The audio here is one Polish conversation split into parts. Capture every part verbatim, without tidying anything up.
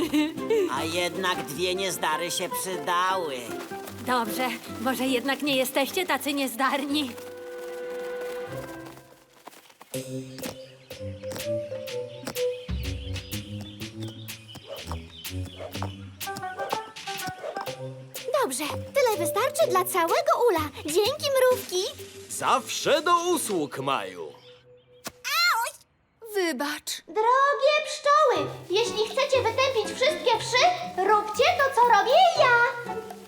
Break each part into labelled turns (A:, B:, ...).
A: A jednak dwie niezdary się przydały.
B: Dobrze, może jednak nie jesteście tacy niezdarni.
C: Dobrze, tyle wystarczy dla całego ula. Dzięki, mrówki.
D: Zawsze do usług, Maju.
E: Wybacz.
C: Drogie pszczoły, jeśli chcecie wytępić wszystkie wszy, róbcie to, co robię ja.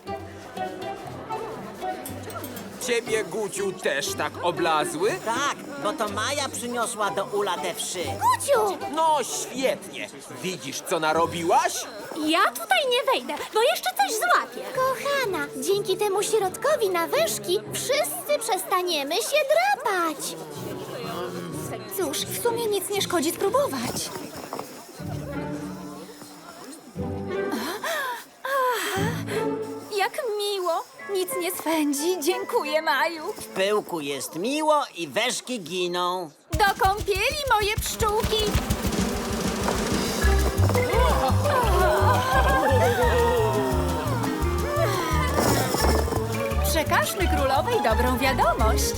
F: Ciebie, Guciu, też tak oblazły?
A: Tak, bo to Maja przyniosła do ula te wszy.
C: Guciu!
F: No świetnie. Widzisz, co narobiłaś?
B: Ja tutaj nie wejdę, bo jeszcze coś złapię.
C: Kochana, dzięki temu środkowi na wężki wszyscy przestaniemy się drapać.
E: Cóż, w sumie nic nie szkodzi spróbować. Aha, jak miło. Nic nie swędzi. Dziękuję, Maju.
A: W pyłku jest miło i weszki giną.
E: Do kąpieli, moje pszczółki. Przekażmy królowej dobrą wiadomość.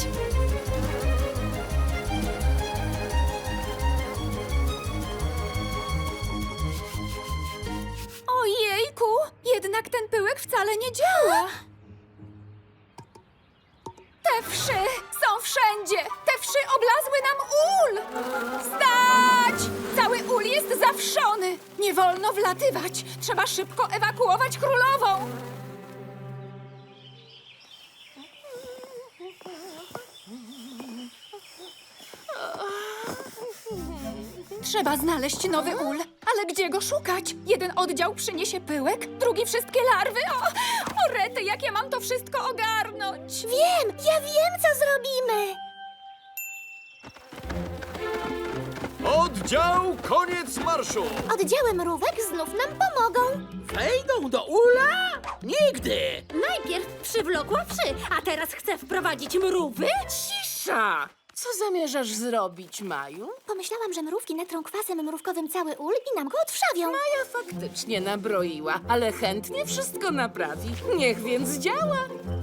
E: Ojejku, jednak ten pyłek wcale nie działa. Te wszy są wszędzie! Te wszy oblazły nam ul! Stać! Cały ul jest zawszony! Nie wolno wlatywać! Trzeba szybko ewakuować królową! Trzeba znaleźć nowy ul. Ale gdzie go szukać? Jeden oddział przyniesie pyłek, drugi wszystkie larwy. O, o rety, jak ja mam to wszystko ogarnąć?
C: Wiem, ja wiem, co zrobimy.
D: Oddział, koniec marszu!
C: Oddziały mrówek znów nam pomogą.
G: Wejdą do ula? Nigdy!
B: Najpierw przywlokła wszy, a teraz chce wprowadzić mrówy?
G: Cisza! Co zamierzasz zrobić, Maju?
C: Pomyślałam, że mrówki natrą kwasem mrówkowym cały ul i nam go odwrzawią.
G: Maja faktycznie nabroiła, ale chętnie wszystko naprawi. Niech więc działa.